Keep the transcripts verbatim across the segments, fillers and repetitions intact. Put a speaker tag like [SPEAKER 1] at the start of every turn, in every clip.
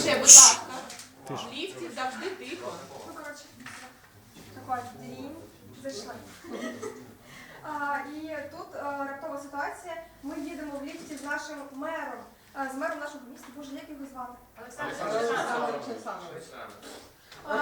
[SPEAKER 1] Тише, будь ласка. В ліфті завжди тихо.
[SPEAKER 2] Ну, коротше, така дрінь, зайшли. А, і тут а, раптова ситуація. Ми їдемо в ліфті з нашим мером, а, з мером нашого міста. Боже, як його звати?
[SPEAKER 1] Олександр
[SPEAKER 2] Олександр. А,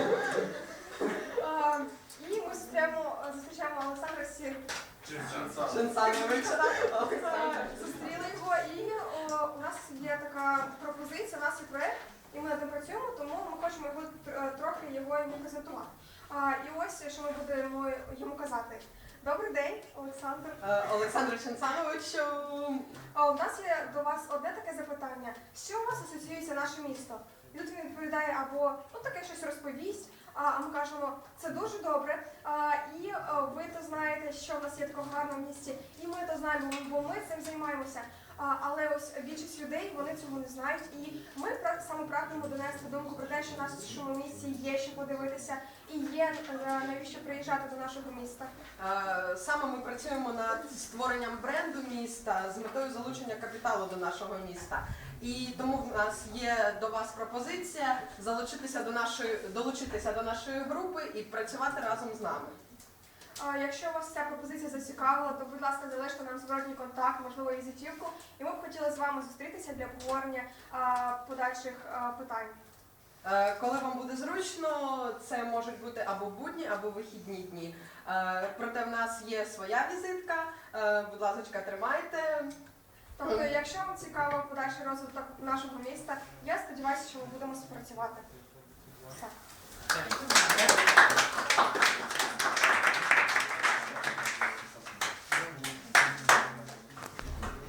[SPEAKER 2] а, і ми зустрічаємо, зустрічаємо Олександра Сір.
[SPEAKER 3] Чинсановича.
[SPEAKER 2] Зустріли його, і о, у нас є така пропозиція, у нас є проєкт, і ми над ним працюємо, тому ми хочемо його тр- трохи його йому презентувати. А, і ось, що ми будемо йому казати. Добрий день, Олександр.
[SPEAKER 3] Олександр Чинсанович.
[SPEAKER 2] А, у нас є до вас одне таке запитання. З чим у вас асоціюється наше місто? І тут він відповідає або ну, таке щось розповість, а, а ми кажемо, це дуже добре, а, і а, ви то знаєте, що в нас є такого гарного в місті, і ми то знаємо, бо ми цим займаємося. А, але ось більшість людей, вони цього не знають, і ми пра- саме прагнемо донести думку про те, що в нашому місті є що подивитися, і є е, навіщо приїжджати до нашого міста.
[SPEAKER 3] Саме ми працюємо над створенням бренду міста з метою залучення капіталу до нашого міста. І тому в нас є до вас пропозиція залучитися до нашої, долучитися до нашої групи і працювати разом з нами.
[SPEAKER 2] А, якщо вас ця пропозиція зацікавила, то, будь ласка, залиште нам зворотній контакт, можливо, візитівку, і ми б хотіли з вами зустрітися для обговорення а, подальших а, питань.
[SPEAKER 3] Е, Коли вам буде зручно, це можуть бути або будні, або вихідні дні. Е, Проте в нас є своя візитка, Е, будь ласка, тримайте.
[SPEAKER 2] Тобто, якщо вам цікаво подальший розвиток нашого міста, я сподіваюся, що ми будемо співпрацювати. Все.